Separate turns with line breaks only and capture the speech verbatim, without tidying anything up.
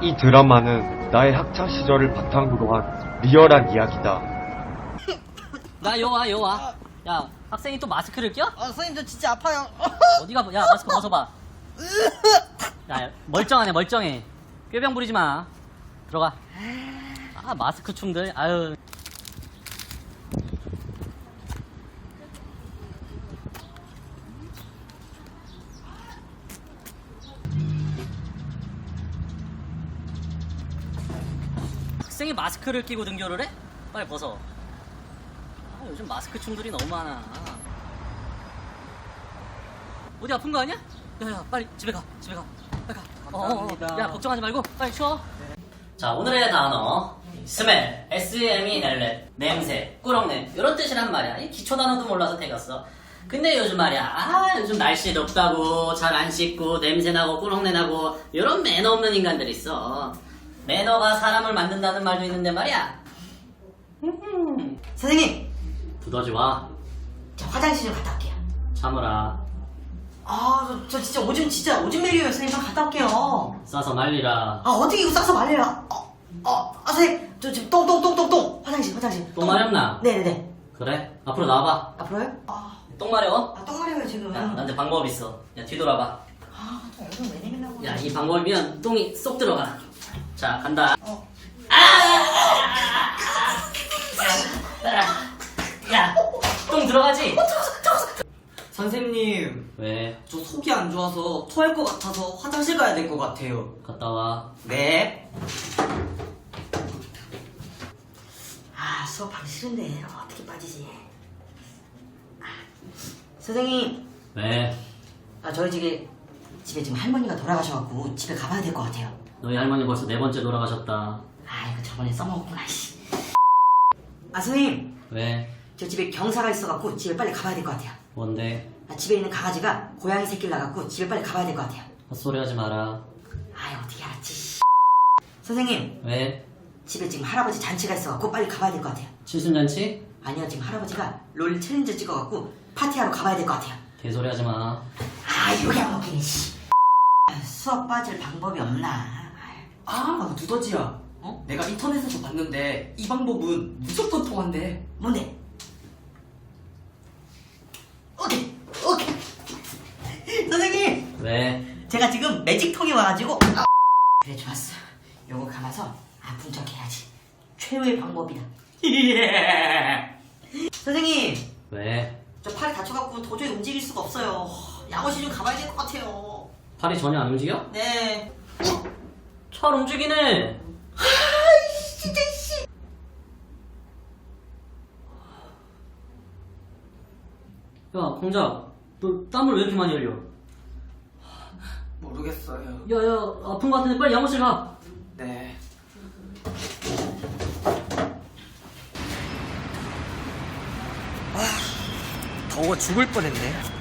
이 드라마는 나의 학창 시절을 바탕으로 한 리얼한 이야기다.
나 여와 여와. 야 학생이 또 마스크를 껴?
아, 선생님 저 진짜 아파요.
어디가 야 마스크 벗어봐. 야 멀쩡하네 멀쩡해. 꾀병 부리지 마. 들어가. 아 마스크 춤들. 아유. 학생이 마스크를 끼고 등교를 해? 빨리 벗어. 아, 요즘 마스크 춤들이 너무 많아. 어디 아픈 거 아니야? 야야 빨리 집에 가 집에 가 빨리 가.
감사합니다.
어, 어, 어. 야 걱정하지 말고 빨리 쉬어. 자 오늘의 단어 스멜 에스 엠 이 엘 엘 냄새 꾸렁냄 이런 뜻이란 말이야. 이 기초 단어도 몰라서 태겼어. 근데 요즘 말이야 아 요즘 날씨 덥다고 잘 안 씻고 냄새나고 꾸렁내 나고 이런 매너 없는 인간들이 있어. 매너가 사람을 만든다는 말도 있는데 말이야.
선생님,
두더지 와.
저 화장실 좀 갔다 올게요.
참으라.
아, 저, 저 진짜 오줌 진짜 오줌 매려요. 선생님, 저 갔다 올게요.
싸서 말리라.
아, 어떻게 이거 싸서 말려요? 어, 어, 아, 선생님, 저 지금 똥똥똥똥똥 화장실 화장실.
똥 마렵나?
네네네.
그래 앞으로 나와봐.
앞으로요? 아,
똥 마려워?
아, 똥 마려워요 지금.
야 나한테 방법 있어. 야 뒤돌아봐.
아, 저 오줌 왜 내리려고?
야 이 방법이면 똥이 쏙 들어가. 자 간다.
어.
야똥 들어가지?
선생님,
왜?
저 속이 안 좋아서 토할 것 같아서 화장실 가야 될 것 같아요.
갔다 와.
네.
아, 수업하기 싫은데 어떻게 빠지지? 아, 선생님,
왜?
아, 저희 집에 집에 지금 할머니가 돌아가셔갖고 집에 가봐야 될 것 같아요.
너희 할머니 벌써 네 번째 돌아가셨다.
아, 이거 저번에 써먹었구나. 씨. 아, 선생님,
왜?
저 집에 경사가 있어갖고 집에 빨리 가봐야 될 것 같아요.
뭔데?
아, 집에 있는 강아지가 고양이 새끼를 낳았고 집에 빨리 가봐야 될 것 같아요.
헛소리 하지 마라.
아, 어떻게 알았지? 선생님,
왜?
집에 지금 할아버지 잔치가 있어갖고 빨리 가봐야 될 것 같아요.
칠순잔치?
아니요, 지금 할아버지가 롤 챌린저 찍어갖고 파티하러 가봐야 될 것 같아요.
개소리 하지 마.
아, 요게 안 먹히네, 씨. 아, 수업 빠질 방법이 없나?
아, 두더지야. 어? 내가 인터넷에서 봤는데 이 방법은 무조건 통한대.
뭔데? 오케이, 오케이. 선생님,
왜?
제가 지금 매직통이 와가지고. 아, 그래, 좋았어. 요거 감아서 아, 분석해야지. 최후의 방법이다. 선생님,
왜?
저 팔이 다쳐갖고 도저히 움직일 수가 없어요. 양호실 좀 가봐야 될 것 같아요.
팔이 전혀 안 움직여?
네.
잘 움직이네.
진짜 씨.
야 공작 너 땀을 왜 이렇게 많이 흘려?
모르겠어요.
야야 아픈 거 같은데 빨리 양호실 가.
네. 아, 더워 죽을 뻔했네.